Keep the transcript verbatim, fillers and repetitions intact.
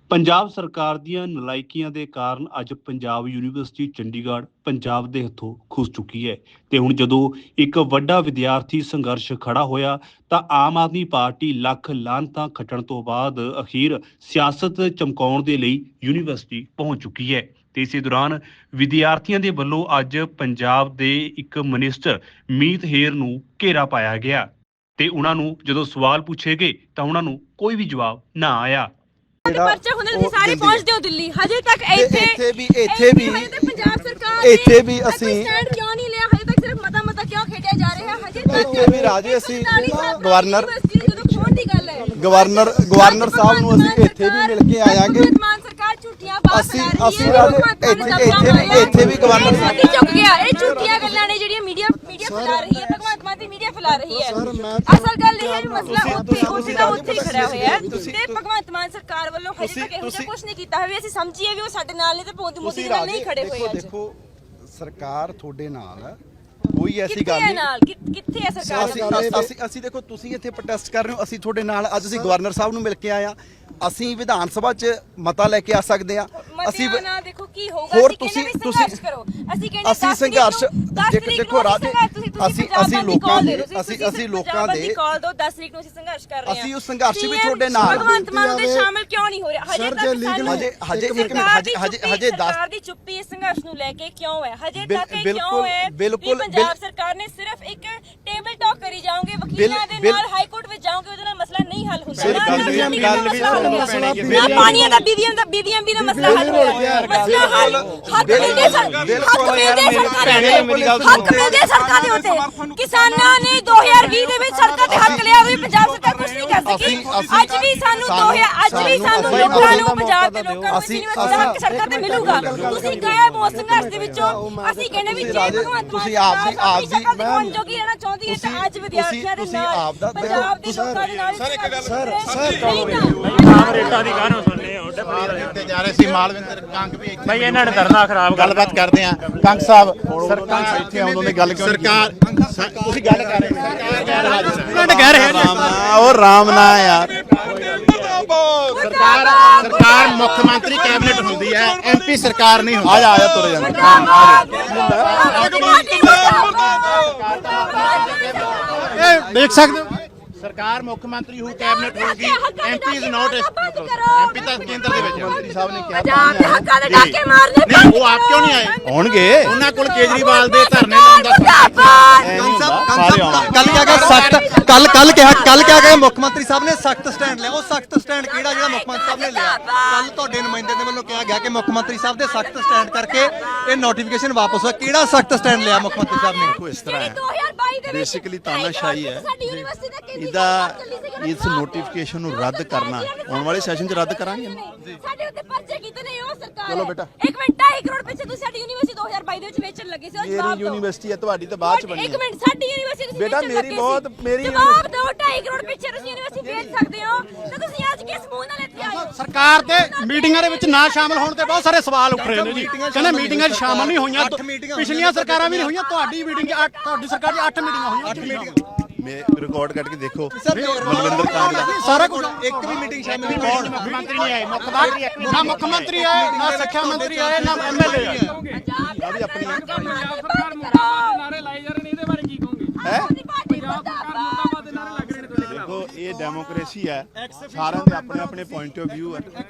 ਪੰਜਾਬ ਸਰਕਾਰ ਦੀਆਂ ਨਲਾਇਕੀਆਂ ਦੇ ਕਾਰਨ ਅੱਜ ਪੰਜਾਬ ਯੂਨੀਵਰਸਿਟੀ ਚੰਡੀਗੜ੍ਹ ਪੰਜਾਬ ਦੇ ਹੱਥੋਂ ਖੁੱਸ ਚੁੱਕੀ ਹੈ ਤੇ ਹੁਣ ਜਦੋਂ ਇੱਕ ਵੱਡਾ ਵਿਦਿਆਰਥੀ ਸੰਘਰਸ਼ ਖੜਾ ਹੋਇਆ ਤਾਂ ਆਮ ਆਦਮੀ ਪਾਰਟੀ ਲੱਖ ਲਾਹਨਤਾਂ ਖੱਟਣ ਤੋਂ ਬਾਅਦ ਅਖੀਰ ਸਿਆਸਤ ਚਮਕਾਉਣ ਦੇ ਲਈ ਯੂਨੀਵਰਸਿਟੀ ਪਹੁੰਚ ਚੁੱਕੀ ਹੈ। ਤੇ ਇਸੇ ਦੌਰਾਨ ਵਿਦਿਆਰਥੀਆਂ ਦੇ ਵੱਲੋਂ ਅੱਜ ਪੰਜਾਬ ਦੇ ਇੱਕ ਮਿਨਿਸਟਰ ਮੀਤ ਹੇਰ ਨੂੰ ਘੇਰਾ ਪਾਇਆ ਗਿਆ ਤੇ ਉਹਨਾਂ ਨੂੰ ਜਦੋਂ ਸਵਾਲ ਪੁੱਛੇ ਗਏ ਤਾਂ ਉਹਨਾਂ ਨੂੰ ਕੋਈ ਵੀ ਜਵਾਬ ਨਾ ਆਇਆ। ਪਰਚਾ ਹੁੰਦੇ ਤੁਸੀਂ ਸਾਰੇ ਪਹੁੰਚਦੇ ਹੋ ਦਿੱਲੀ, ਹਜੇ ਤੱਕ ਇੱਥੇ ਇੱਥੇ ਵੀ ਇੱਥੇ ਵੀ ਹਜੇ ਤੱਕ ਪੰਜਾਬ ਸਰਕਾਰ ਇੱਥੇ ਵੀ ਅਸੀਂ ਸਟੈਂਡ ਕਿਉਂ ਨਹੀਂ ਲਿਆ? ਹਜੇ ਤੱਕ ਸਿਰਫ ਮਤਾ ਮਤਾ ਕਿਉਂ ਖੇਡਿਆ ਜਾ ਰਿਹਾ? ਹਜੇ ਤੱਕ ਇੱਥੇ ਵੀ ਰਾਜੇ ਅਸੀਂ ਗਵਰਨਰ ਜਦੋਂ ਖੋਣ ਦੀ ਗੱਲ ਹੈ, ਗਵਰਨਰ ਗਵਰਨਰ ਸਾਹਿਬ ਨੂੰ ਅਸੀਂ ਇੱਥੇ ਵੀ ਮਿਲ ਕੇ ਆਵਾਂਗੇ। ਮਾਨ ਸਰਕਾਰ ਝੂਠੀਆਂ ਬਾਤ ਅਸੀਂ ਅਸੀਂ ਰਾਜੇ ਇੱਥੇ ਇੱਥੇ ਵੀ ਇੱਥੇ ਵੀ ਗਵਰਨਰ ਸਾਹਿਬ ਚੁੱਕ ਗਿਆ। ਇਹ ਝੂਠੀਆਂ ਗੱਲਾਂ ਨੇ ਜਿਹੜੀਆਂ ਮੀਡੀਆ ਮੀਡੀਆ ਫੈਲਾ ਰਹੀ ਹੈ, ਭਗਵੰਤ ਮਾਨ ਦੀ ਮੀਡੀਆ ਫੈਲਾ ਰਹੀ ਹੈ। ਅਸਲ ਗੱਲ ਇਹ ਹੈ ਵੀ ਮਸਲਾ ਉੱਥੇ ਉੱਥੇ ਦਾ ਉੱਥੇ ਹੀ ਖੜਾ ਹੋਇਆ ਹੈ ਤੇ ਭਗਵੰਤ ਮਾਨ ਸਰਕਾਰ ਵੱਲੋਂ ਹਜੇ ਤੱਕ ਇਹੋ ਜਿਹਾ ਕੁਝ ਨਹੀਂ ਕੀਤਾ ਹੋਇਆ। ਅਸੀਂ ਸਮਝੀਏ ਵੀ ਉਹ ਸਾਡੇ ਨਾਲ ਨਹੀਂ ਤੇ ਮੋਦੀ ਮੋਦੀ ਨਾਲ ਨਹੀਂ ਖੜੇ ਹੋਏ ਅੱਜ। ਦੇਖੋ ਸਰਕਾਰ ਤੁਹਾਡੇ ਨਾਲ ਹੈ, ਕੋਈ ਐਸੀ ਗੱਲ ਕਿੱਥੇ ਨਹੀਂ। ਨਾਲ ਕਿੱਥੇ ਹੈ ਸਰਕਾਰ? ਅਸੀਂ ਅਸੀਂ ਅਸੀਂ ਦੇਖੋ ਤੁਸੀਂ ਇੱਥੇ ਪ੍ਰੋਟੈਸਟ ਕਰ ਰਹੇ ਹੋ, ਅਸੀਂ ਤੁਹਾਡੇ ਨਾਲ ਅੱਜ ਅਸੀਂ ਗਵਰਨਰ ਸਾਹਿਬ ਨੂੰ ਮਿਲ ਕੇ ਆਏ ਆ। ਅਸੀਂ ਵਿਧਾਨ ਸਭਾ 'ਚ ਮਤਾ ਲੈ ਕੇ ਆ ਸਕਦੇ ਆ। ਅਸੀਂ ਨਾਲ ਦੇਖੋ ਕੀ ਹੋਊਗਾ। ਹੋਰ ਤੁਸੀਂ ਤੁਸੀਂ ਕਰੋ ਅਸੀਂ ਕਹਿੰਦੇ ਅਸੀਂ ਸੰਘਰਸ਼ ਦੇਖੋ ਰਾਜੇ ਅਸੀਂ ਅਸੀਂ ਲੋਕਾਂ ਦੇ ਅਸੀਂ ਅਸੀਂ ਲੋਕਾਂ ਦੇ ਕਾਲ ਦੋ ਦਸ ਤਰੀਕ ਨੂੰ ਅਸੀਂ ਸੰਘਰਸ਼ ਕਰ ਰਹੇ ਹਾਂ। ਅਸੀਂ ਉਸ ਸੰਘਰਸ਼ ਵਿੱਚ ਤੁਹਾਡੇ ਨਾਲ ਭਗਵੰਤ ਮਾਨ ਦੇ ਸ਼ਾਮਲ ਕਿਉਂ ਨਹੀਂ ਹੋ ਰਿਹਾ? ਹਜੇ ਤੱਕ ਸਾਨੂੰ ਹਜੇ ਹਜੇ ਇੱਕ ਮਿੰਟ ਹਜੇ ਹਜੇ ਹਜੇ ਦਸ ਸਰਕਾਰ ਦੀ ਚੁੱਪੀ ਇਸ ਸੰਘਰਸ਼ ਨੂੰ ਲੈ ਕੇ ਕਿਉਂ ਹੈ? ਹਜੇ ਤੱਕ ਇਹ ਬਿਲਕੁਲ, ਕਿਉਂ ਹੈ? ਬਿਲਕੁਲ, ਪੰਜਾਬ ਸਰਕਾਰ ਨੇ ਸਿਰਫ ਇੱਕ ਟੇਬਲ ਟਾਕ ਕਰੀ ਜਾਓਗੇ, ਵਕੀਲਾਂ ਦੇ ਨਾਲ ਹਾਈ ਕੋਰਟ ਵਿੱਚ ਜਾਓਗੇ, ਉਹਦੇ ਨਾਲ ਮਸਲਾ ਨਹੀਂ ਹੱਲ ਹੁੰਦਾ। ਨਾ ਪਾਣੀਆਂ ਦਾ ਬੀਬੀਐਮ ਦਾ ਬੀਬੀਐਮਬੀ ਦਾ ਮਸਲਾ ਹੱਲ ਹੋਇਆ। ਮਸਲਾ ਹੱਲ ਹੱਕ ਮਿਲਦੇ ਸਰ ਹੱਕ ਮਿਲਦੇ ਸਰਕਾਰ ਦੇ ਹੱਕ ਮਿਲਦੇ ਸੜਕਾਂ ਦੇ ਉੱਤੇ। ਕਿਸਾਨਾਂ ਨੇ ਦੋ ਹਜ਼ਾਰ ਵੀਹ ਦੇ ਵਿੱਚ ਸੜਕਾਂ ਤੇ ਹੱਕ ਲਿਆ, ਵੀ ਪੰਜਾਬ ਸਰਕਾਰ ਕੁਝ ਨਹੀਂ ਕਰ ਸਕੀ। ਅੱਜ ਵੀ ਸਾਨੂੰ ਦੋ ਹਜ਼ਾਰ ਅੱਜ ਵੀ ਸਾਨੂੰ ਲੋਕਾਂ ਨੂੰ ਪੰਜਾਬ ਦੇ ਲੋਕਾਂ ਨੂੰ ਯੂਨੀਵਰਸਿਟੀ ਦਾ ਹੱਕ ਸੜਕਾਂ ਤੇ ਮਿਲੂਗਾ। ਤੁਸੀਂ ਗਾਇਬ ਹੋ ਸੰਘਰਸ਼ ਦੇ ਵਿੱਚੋਂ। ਅਸੀਂ ਕਹਿੰਦੇ ਵੀ ਜੇ ਭਗਵੰਤ ਮਾਨ ਤੁਸੀਂ ਆਪ ਦੀ ਆਪ ਦੀ ਮੈਮ ਜੋਗੀ ਰਹਿਣਾ ਚਾਹੁੰਦੀ ਹੈ ਤਾਂ ਅੱਜ ਵਿਦਿਆਰਥੀਆਂ ਦੇ ਨਾਲ ਪੰਜਾਬ ਦੇ ਲੋਕਾਂ ਦੇ ਨਾਲ ਸਰ ਇੱਕ ਗੱਲ ਸਰ ਸਰ ਨਾਮ ਰੇਟਾਂ ਦੀ ਗਾਣੋ ਸੁਣਨੇ ਹੋ ਤੇ ਜਾ ਰਹੇ ਸੀ ਮਾਲਵਿੰਦਰ ਕੰਗ ਵੀ ਇੱਥੇ ਭਾਈ ਇਹਨਾਂ ਨੇ ਧਰਨਾ ਖਰਾਬ ਗੱਲਬਾਤ ਕਰਦੇ ਆ। ਕੰਗ ਸਾਹਿਬ ਸਰਕਾਰ ਇੱਥੇ ਆਉਂਦੋਂ ਦੀ ਗੱਲ ਕਿਉਂ ਸਰਕਾਰ ਤੁਸੀਂ ਗੱਲ ਕਰ ਰਹੇ ਸਰਕਾਰ ਕਹਿ ਰਹੇ ਨੇ ਉਹ ਰਾਮ ਨਾ ਯਾਰ ਸਰਕਾਰ ਸਰਕਾਰ ਮੁੱਖ ਮੰਤਰੀ ਕੈਬਨਿਟ ਹੁੰਦੀ ਹੈ, ਐਮਪੀ ਸਰਕਾਰ ਨਹੀਂ ਹੁੰਦੀ। ਆ ਜਾ ਆ ਜਾ ਤੁਰੇ ਜਾਂਦੇ ਇਹ ਦੇਖ ਸਕਦੇ ਹੋ ਸਰਕਾਰ ਮੁੱਖ ਮੰਤਰੀ ਹੂ ਕੈਬਨਿਟ ਹੋਊਗੀ, ਐਮਪੀ ਇਜ਼ ਨਾਟ ਐਮਪੀ ਤਾਂ ਕੇਂਦਰ ਦੇ ਵਿੱਚ ਮੰਤਰੀ ਸਾਹਿਬ ਨੇ ਕਿਹਾ ਪੰਜਾਬ ਦੇ ਹੱਕਾਂ ਦੇ ਡਾਕੇ ਮਾਰਨੇ ਨਹੀਂ, ਉਹ ਆਪ ਕਿਉਂ ਨਹੀਂ ਆਏ? ਹੋਣਗੇ ਉਹਨਾਂ ਕੋਲ ਕੇਜਰੀਵਾਲ ਦੇ ਧਰਨੇ ਲਾਉਣ ਦਾ ਕੱਲ ਕਿਹਾ ਗਿਆ ਸਖਤ ਕੱਲ ਕੱਲ ਕਿਹਾ ਕੱਲ ਕਿਹਾ ਗਿਆ ਮੁੱਖ ਮੰਤਰੀ ਸਾਹਿਬ ਨੇ ਸਖਤ ਸਟੈਂਡ ਲਿਆ। ਉਹ ਸਖਤ ਸਟੈਂਡ ਕਿਹੜਾ ਜਿਹੜਾ ਮੁੱਖ ਮੰਤਰੀ ਸਾਹਿਬ ਨੇ ਲਿਆ? ਕੱਲ ਤੁਹਾਡੇ ਨੁਮਾਇੰਦੇ ਦੇ ਵੱਲੋਂ ਕਿਹਾ ਗਿਆ ਕਿ ਮੁੱਖ ਮੰਤਰੀ ਸਾਹਿਬ ਦੇ ਸਖਤ ਸਟੈਂਡ ਕਰਕੇ ਇਹ ਨੋਟੀਫਿਕੇਸ਼ਨ ਵਾਪਸ ਹੋਇਆ। ਕਿਹੜਾ ਸਖਤ ਸਟੈਂਡ ਲਿਆ ਮੁੱਖ ਮੰਤਰੀ ਸਾਹਿਬ ਨੇ? ਕੋਈ ਇਸ ਤਰ੍ਹਾਂ ਹੈ ਦੋ ਹਜ਼ਾਰ ਬਾਈ ਦੇ ਵਿੱਚ ਬੇਸਿਕਲੀ ਤਾਨਾਸ਼ਾਹੀ ਹੈ। ਸਾਡੀ ਯੂਨੀਵਰਸਿਟੀ ਦਾ ਕੇਂਦਰ ਇਹਦਾ ਇਸ ਨੋਟੀਫਿਕੇਸ਼ਨ ਨੂੰ ਰੱਦ ਕਰਨਾ ਆਉਣ ਵਾਲੇ ਸੈਸ਼ਨ 'ਚ ਰੱਦ ਕਰਾਂਗੇ। ਸਾਡੇ ਉੱਤੇ ਪਰਚੇ ਕੀਤੇ ਨੇ ਉਹ ਸਰਕਾਰ। ਚਲੋ ਬੇਟਾ। ਇੱਕ ਮਿੰਟ ਢਾਈ ਕਰੋੜ ਪਿੱਛੇ ਤੁਸੀਂ ਸਾਡੀ ਯੂਨੀਵਰਸਿਟੀ ਦੋ ਹਜ਼ਾਰ ਬਾਈ ਦੇ ਵਿੱਚ ਵੇਚਣ ਲੱਗੇ ਸੀ। ਉਹ ਜਵਾਬ ਮੇਰੀ ਦਿਓ। ਯੂਨੀਵਰਸਿਟੀ ਹੈ, ਤੁਹਾਡੀ ਤਾਂ ਬਾਅਦ 'ਚ ਬਣੀ ਇੱਕ ਹੈ। ਮਿੰਟ ਸਾਡੀ ਯੂਨੀਵਰਸਿਟੀ ਤੁਸੀਂ ਬੇਟਾ, ਵੇਚਣ ਮੇਰੀ ਲੱਗੇ ਬਹੁਤ- ਸੀ। ਮੇਰੀ ਜਵਾਬ ਦਿਓ। ਢਾਈ ਕਰੋੜ ਪਿੱਛੇ ਤੁਸੀਂ ਯੂਨੀਵਰਸਿਟੀ ਵੇਚ ਸਕਦੇ ਹੋ ਤਾਂ ਤੁਸੀਂ ਅੱਜ ਕਿਸ ਮੂੰਹ ਨਾਲ ਇੱਥੇ ਆਏ ਹੋ? ਸਰਕਾਰ ਦੇ ਮੀਟਿੰਗਾਂ ਦੇ ਵਿੱਚ ਨਾ ਸ਼ਾਮਲ ਹੋਣ ਤੇ ਬਹੁਤ ਸਾਰੇ ਸਵਾਲ ਉੱਠ ਰਹੇ ਨੇ ਜੀ। ਕਹਿੰਦੇ ਮੀਟਿੰਗਾਂ 'ਚ ਸ਼ਾਮਲ ਨਹੀਂ ਹੋਈਆਂ, ਪਿਛਲੀਆਂ ਸਰਕਾਰਾਂ ਵੀ ਨਹੀਂ ਹੋਈਆਂ, ਤੁਹਾਡੀ ਮੀਟਿੰਗ ਤੁਹਾਡੀ ਸਰਕਾਰ ਦੀ ਅੱਠ ਮੀਟਿੰਗਾਂ ਹੋਈਆਂ। ਮੈਂ ਰਿਕਾਰਡ ਕੱਢ ਕੇ ਦੇਖੋ ਮਨਵਿੰਦਰ ਕਾਂਗ ਦਾ ਸਾਰਾ ਕੁਝ ਇੱਕ ਵੀ ਮੀਟਿੰਗ ਸ਼ਾਮਿਲ ਨਹੀਂ ਹੋਈ। ਮੁੱਖ ਮੰਤਰੀ ਨਹੀਂ ਆਏ, ਮੁੱਖ ਮੰਤਰੀ ਇੱਕ ਨਾ ਮੁੱਖ ਮੰਤਰੀ ਆਏ, ਨਾ ਸਿੱਖਿਆ ਮੰਤਰੀ ਆਏ, ਨਾ ਐਮਐਲਏ ਆਏ। ਪੰਜਾਬ ਦੀ ਆਪਣੀ ਨਾਰੇ ਲਾਏ ਜਾ ਰਹੇ ਨੇ, ਇਹਦੇ ਬਾਰੇ ਕੀ ਕਹੋਗੇ? ਹੈ ਪੰਜਾਬ ਮੁਰਦਾਬਾਦ ਦੇ ਨਾਰੇ ਲੱਗ ਰਹੇ ਨੇ ਤੁਹਾਡੇ ਖਿਲਾਫ। ਦੇਖੋ ਇਹ ਡੈਮੋਕ੍ਰੇਸੀ ਹੈ, ਸਾਰਿਆਂ ਦੇ ਆਪਣੇ ਆਪਣੇ ਪੁਆਇੰਟ ਆਫ ਵਿਊ ਹੈ।